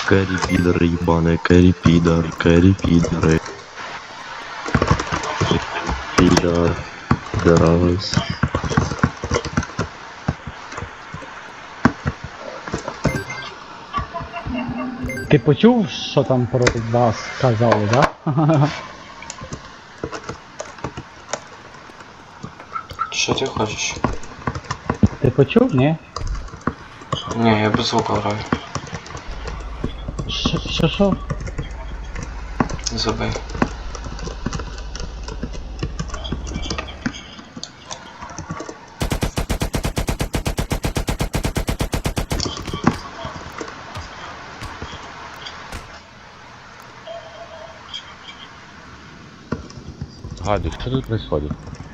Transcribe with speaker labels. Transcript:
Speaker 1: Кэрри пидоры ебаные, кэрри пидор, кэрри пидоры. Пидор, пидорас.
Speaker 2: Ти почув, що там про вас казали, да?
Speaker 3: Що ти хочеш?
Speaker 2: Ти почув, ні?
Speaker 3: Ні, я без звуку граю.
Speaker 2: Що?
Speaker 3: Забий.
Speaker 4: Гади, что тут происходит?